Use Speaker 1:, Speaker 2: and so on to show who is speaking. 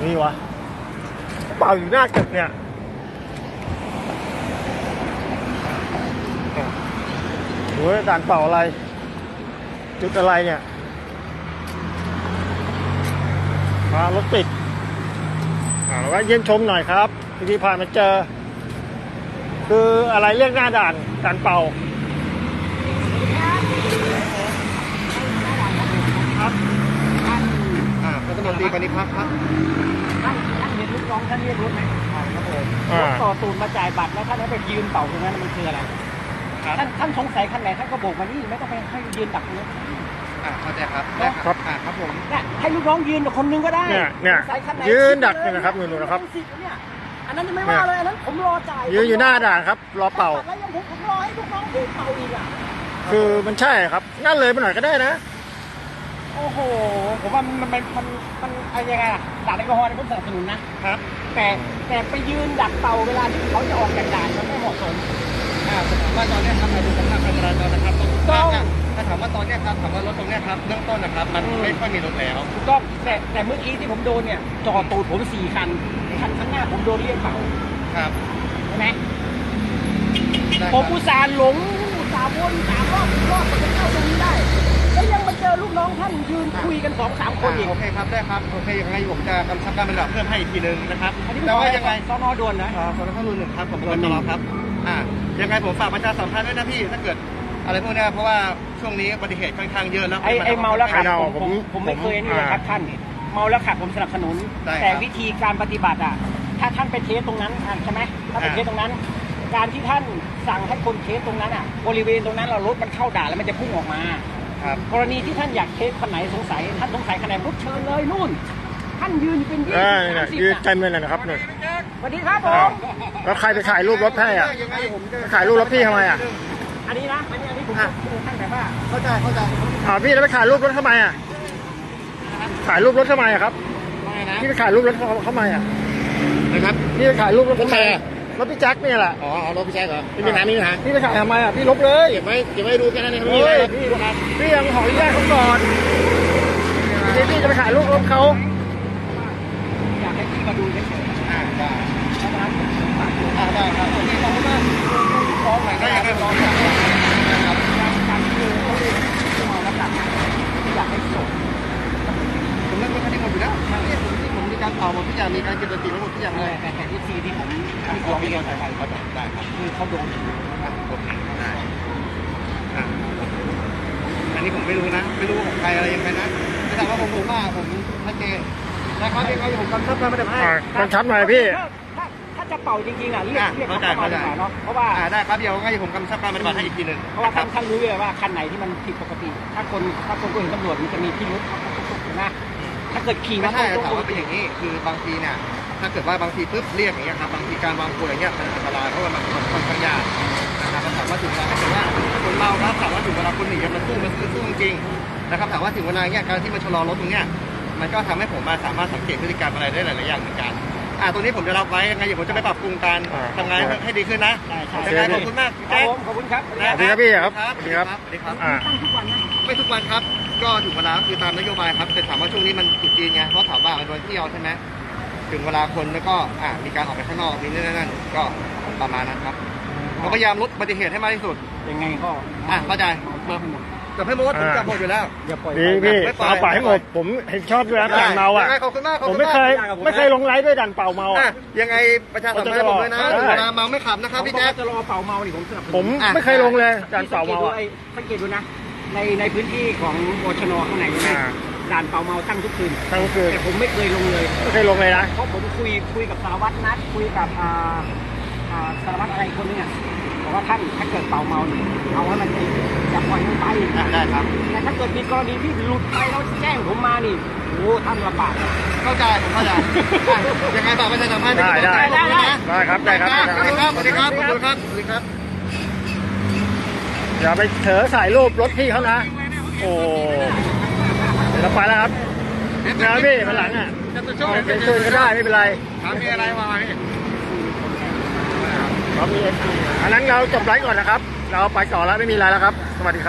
Speaker 1: นี่วะเป่าอยู่หน้าตึกเนี่ยโอ้ยด่านเป่าอะไรจุดอะไรเนี่ยรถติดแล้วก็เยี่ยมชมหน่อยครับที่ผ่านมาเจอคืออะไรเรียกหน้าด่านเป่าครับ
Speaker 2: รัฐมนตรีปณิพักษ์ครับ
Speaker 3: ท่านเห็นลูกน้องท่านเรียกรถไหมครับผมรถต่อตูนมาจ่ายบัตรแล้วท่านไปยืนเป่าตรงนั้นมันคืออะไรท่านสงสัยคันไหนท่านก็โบกมานี่ไม่ต้องไปให้ยืนดักตรงนั้น
Speaker 2: เข้าใจครับได้ครับครับผม
Speaker 3: ให้ลูกน้องยืนคนนึงก็ได้
Speaker 1: เนี่ยยืนดักเนี่ยนะครับนู่นนะครับ
Speaker 3: อันนั้นไม่ว่าเลยอันนั้นผมรอจ่าย
Speaker 1: ยืนอยู่หน้าด่านครับรอเป่า
Speaker 3: แล้วยังผมรอให้ลูกน้องยืนเป่าอีกอ่ะ
Speaker 1: คือมันใช่ครับงั้นเลยไปหน่อยก็ได้นะ
Speaker 3: โอ้โหผมว่ามันอะไรยังไงล่ะด่านแอลกอฮอล์ผมสนับสนุนนะครับแต่ไปยืนดักเป่าเวลาที่เขาจะออกจากด่านมันไม่เหมาะสม
Speaker 2: ว่าตอนนี้ครับมาดูสภาพการจราจรนะครับถ้าถามว่าตอนนี้ครับถามว่ารถตรงนี้ครับเบื้องต้นนะครับมันไม่ค่อยมีรถแล้ว
Speaker 3: ถูกต้องแต่เมื่อกี้ที่ผมโดนเนี่ยจอดตูดผม4 คันข้างหน้าผมโดนเรียกเป่า
Speaker 2: ครับ
Speaker 3: ใช่ไหมผมอุตส่าห์หลงอุตส่าห์วน3 รอบจะเข้าตรงนี้ได้แล้วยังมาเจอลูกน้องท่านยืนคุยกัน2-3 คนอีก
Speaker 2: โอเคครับได้ครับโอเคยังไงผมจะกำชับการปฏิบัติเพิ่มให้อีกทีนึงนะครับ
Speaker 3: แต่ว่ายังไงสน.ด่วนนะ
Speaker 2: สน.ท่ารุน1ครับผมเป็นตลอดครับยังไงผมฝากประชาสัมพันธ์ด้วยนะพี่ถ้าเกิดอะไรพวกนี้เพราะว่าช่วงนี้อุบัติเหตุค่อนข้างเยอะแล้ว
Speaker 3: ไอ้เมาแล้วขับผมไม่เคยนี่เลยครับท่านเมาแล้วขับผมสนับสนุนแต่วิธีการปฏิบัติถ้าท่านไปเทสตรงนั้นใช่ไหมถ้าไปเทสตรงนั้นการที่ท่านสั่งให้คนเทสตรงนั้นบริเวณตรงนั้นเรารถมันเข้าด่านแล้วมันจะพุ่งออกมากรณีที่ท่านอยากเทสคันไหนสงสัยท่านสงสัยคันไหนปุ๊บเชิญเลยนู่นท่านยืนเป็น
Speaker 1: ยืนเต็มเลยนะครับเนี่ย
Speaker 3: สวัสดีครับผม
Speaker 1: แล้วใครไปถ่ายรูปรถให้ถ่ายรูปรถพี่ทำไม
Speaker 3: อันนี้นะอันนี้ผมท่านแบบว่า
Speaker 2: เข้าใจ
Speaker 1: พี่แล้วไปถ่ายรูปรถทำไมถ่ายรูปรถทำไมครับพี่ไปถ่ายรูปรถเขาทำไม
Speaker 2: นะครับ
Speaker 1: พี่ไปถ่ายรูปรถทำไมรถพี่แจ็คเนี่ยแหละ
Speaker 2: รถพี่แจ็คเหรอพี่ไปถ่าย
Speaker 1: พี่ไปถ่ายทำไมพี่ลบเลย
Speaker 2: เก็บไว้ดูแค่นั้นเอง
Speaker 1: พี่ยังขออนุญาตเขาก่อนพี่จะไปถ่ายรูปรถเขา
Speaker 3: อยากให้พี่มาดูเฉยๆ
Speaker 2: ได้ครับโอเคขอบคุณมากฟ้องหน่อยได้ยังไงฟ้อง
Speaker 3: นะครับการที่เขาเมาแล้วกลับอยากให้ส่ง
Speaker 2: ผมเล่นคดีหมดอยู่แล้วผมมีการเป่าหมดทุกอย่างมีการเก็บสถิติหมดทุกอย่างเลย
Speaker 3: แต่ที่ซีที่ผมฟ้องมีการใส่เขา
Speaker 2: ได้ครับ
Speaker 3: คือเขาโดน
Speaker 2: โอเคได้อันนี้ผมไม่รู้นะไม่รู้ของใครอะไรยังไงนะแต่ว่าผมว่าผมชัดเจนนะครับยังไงผมกำชับมาได้ไหม
Speaker 1: กำชับหน่อยพี่
Speaker 3: ถ้าจะเป่าจริงๆเรียกเข้ามาดีกว่าเนาะเพราะว่า
Speaker 2: ได้ครับเดี๋ยวงั้นผมกำชับการปฏิบัติให้อีกทีนึง
Speaker 3: เพราะว่าท่านรู้เลยว่าคันไหนที่มันผิดปกติถ้าคนก็เห็นตำรวจมันจะมีพิรุธนะถ้าเกิดขี่
Speaker 2: ไม่ใช่ถามว่าเป็นอย่างนี้คือบางทีเนี่ยถ้าเกิดว่าบางทีปุ๊บเรียกอย่างเงี้ยครับบางทีการวางตัวอย่างเงี้ยมันอันตรายเพราะว่ามันค่อนข้างยากนะครับถามว่าถึงเวลาถ้าเกิดว่าคนเมาครับถามว่าถึงเวลาคนหนีมันสู้จริงนะครับถามว่าถึงเวลาเงี้ยการที่มันชะลอรถตรงเนี้ยมันก็ทำให้ผมมาสามารถสังเกตพฤติกรรมอะไรได้หลายๆอย่างเหมือนกันตรงนี้ผมจะรับไว้ยังไงเดี๋ยวผมจะไปปรับปรุงการทำงานให้ดีขึ้นนะยังไงขอบคุณมาก
Speaker 3: แจ๊คขอบคุณครับ
Speaker 1: สวัสดีครับพี่ครับ
Speaker 2: สวัสดีครับ
Speaker 3: ตั้งทุกวันนะ
Speaker 2: ไม่ทุกวันครับก็ถึงเวลาคือตามนโยบายครับแต่ถามว่าช่วงนี้มันจุดจีนไงเพราะถามว่ามันวันเที่ยวใช่ไหมถึงเวลาคนแล้วก็มีการออกไปข้างนอกนี่นั่นก็ประมาณนั้นครับเราพยายามลดอุบัติเหตุให้มากที่สุด
Speaker 3: ยังไงก็
Speaker 2: เข้าใจจับให้หมดผมจับหมดอยู่แล้ว
Speaker 1: อย่าปล่อยพี่เอาปล่อยให้หมดผมเห็นชอบด้วยนะด่านเมา
Speaker 2: ขอบคุณมาก
Speaker 1: ผมไม่เคยลงไลฟ์ด้วยด่านเป่าเมา
Speaker 2: ยังไงประชาสัมพันธ์ผมด้วยนะเวลาเมาไม่ขับนะครับพี่แจ๊ค
Speaker 3: จะรอเป่าเมานี่ผมสนับสนุน
Speaker 1: ผมไม่เคยลงเลยด่านเป่าเมา
Speaker 3: สังเกตดูนะในพื้นที่ของบชน.ข้างในด่านเป่าเมาตั้งทุกคืนแต่ผมไม่เคยลงเลย
Speaker 1: ไม่เคยลงเลยนะ
Speaker 3: เพราะผมคุยกับสารวัตรนัดคุยกับสารวัตรอะไรคนนี้บอกว่าท่านถ้าเกิดเป่าเมาเอาไว้มันจริงอย่าปล่อยมันไป
Speaker 2: ได้ครับ
Speaker 3: แต่ถ้าเกิดมีกรณีที่หลุดไปแล้วแจ้งผมมานี่โอ้ท่านลำบาก
Speaker 2: เข้าใจผมเข้าใจยังไงฝากประชาสัมพันธ์
Speaker 1: ได้ครับ
Speaker 2: สวัสดีครับสวัสดีครับขอบคุณครับสวัสดีครับ
Speaker 1: อย่าไปเถอถ่ายรูปรถพี่เขานะโอ้เดี๋ยวเราไปแล้วครับนะพี่มาหลังเป็นคืนก็ได้ไม่เป็นไร
Speaker 2: มีอะไรมาพี่
Speaker 1: อันนั้นเราจบไลฟ์ก่อนนะครับเราไปต่อแล้วไม่มีอะไรแล้วครับสวัสดีครับ